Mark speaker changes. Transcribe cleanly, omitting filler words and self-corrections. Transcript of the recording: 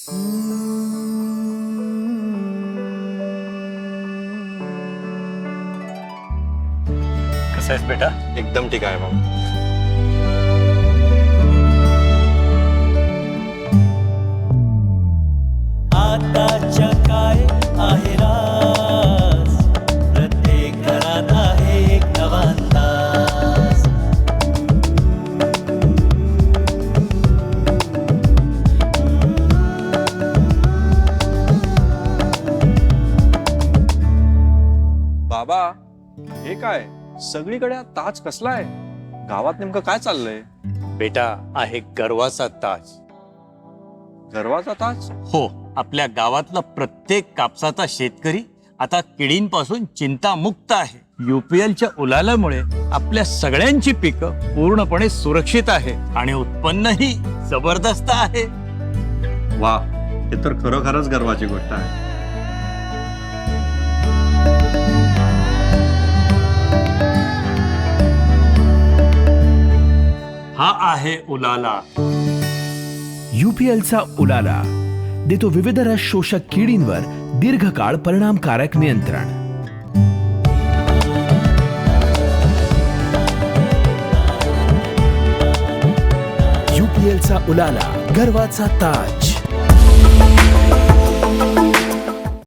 Speaker 1: कसा आहेस बेटा?
Speaker 2: एकदम ठीक आहे भाऊ.
Speaker 3: आताच्या काय आहे राज, प्रत्येक घरात आहे एक नवा अंदाज.
Speaker 2: बाबा, हे काय सगळीकडे हा ताज कसला आहे? गावात नेमकं काय चाललंय?
Speaker 1: बेटा, आहे गर्वाचा ताज.
Speaker 2: गर्वाचा ताज?
Speaker 1: हो, आपल्या गावातला प्रत्येक कापसाचा शेतकरी आता किडींपासून चिंतामुक्त आहे. UPLच्या उलालामुळे आपल्या सगळ्यांची पिकं पूर्णपणे सुरक्षित आहे आणि उत्पन्नही जबरदस्त आहे.
Speaker 2: वा, हे तर खरोखरच गर्वाची गोष्ट आहे.
Speaker 1: हा आहे उलाला.
Speaker 4: UPLचा उलाला देतो विविध रस शोषक किडींवर दीर्घकाळ परिणामकारक नियंत्रण. UPLचा उलाला, गर्वाचा ताज.